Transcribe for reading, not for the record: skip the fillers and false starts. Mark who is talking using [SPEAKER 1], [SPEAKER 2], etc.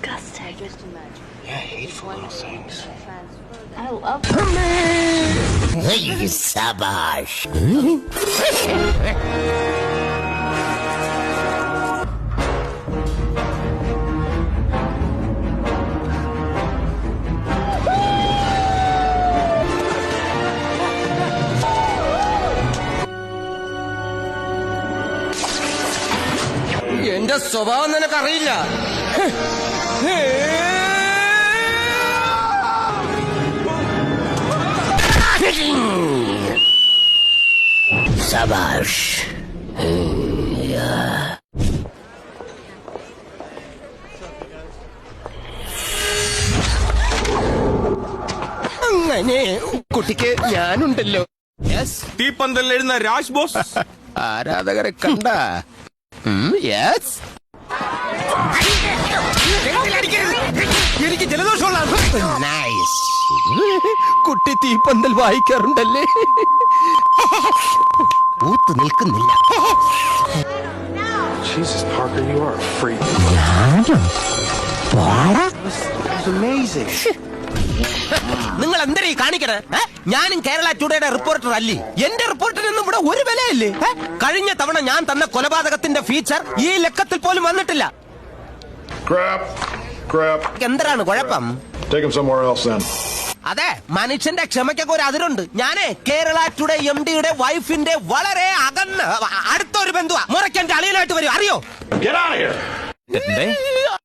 [SPEAKER 1] disgusting.
[SPEAKER 2] Yeah, hateful little things.
[SPEAKER 1] I love
[SPEAKER 3] Hey, Sabash.
[SPEAKER 4] എന്റെ സ്വഭാവം നിനക്കറിയില്ല.
[SPEAKER 3] Sabash.
[SPEAKER 4] അങ്ങനെ കുട്ടിക്ക് ഞാനുണ്ടല്ലോ.
[SPEAKER 5] തീപ്പന്തൽ എഴുന്ന രാജ് ബോസ്
[SPEAKER 4] ആരാധകരെ കണ്ട. യെസ്, എനിക്ക് ജലദോഷമുള്ള.
[SPEAKER 3] Nice.
[SPEAKER 4] കുട്ടി തീപ്പന്തൽ വായിക്കാറുണ്ടല്ലേ?
[SPEAKER 3] ഊത്ത് നിൽക്കുന്നില്ല.
[SPEAKER 2] Jesus, Parker, you are a freak. That's amazing.
[SPEAKER 4] നിങ്ങൾ എന്തരീ കാണിക്കണേ? ഞാനും കേരള ടുഡേയുടെ റിപ്പോർട്ടർ അല്ലേ? എന്റെ റിപ്പോർട്ടിനൊന്നും ഇവിടെ ഒരു വിലയില്ലേ? കഴിഞ്ഞ തവണ ഞാൻ തന്ന കൊലപാതകത്തിന്റെ ഫീച്ചർ ഈ ലക്കത്തിൽ പോലും വന്നിട്ടില്ല.
[SPEAKER 6] Crap.
[SPEAKER 4] എന്താണ് കുഴപ്പം?
[SPEAKER 6] Take him somewhere else then.
[SPEAKER 4] അതെ, മനുഷ്യന്റെ ക്ഷമയ്ക്കൊക്കെ ഒരു അതിരുണ്ട്. ഞാനേ കേരള ടുഡേ MDയുടെ വൈഫിന്റെ വളരെ അടുത്തൊരു ബന്ധുവാ. മുറയ്ക്ക് എന്റെ അളിയനായിട്ട് വരും, അറിയോ?
[SPEAKER 6] Get out of here.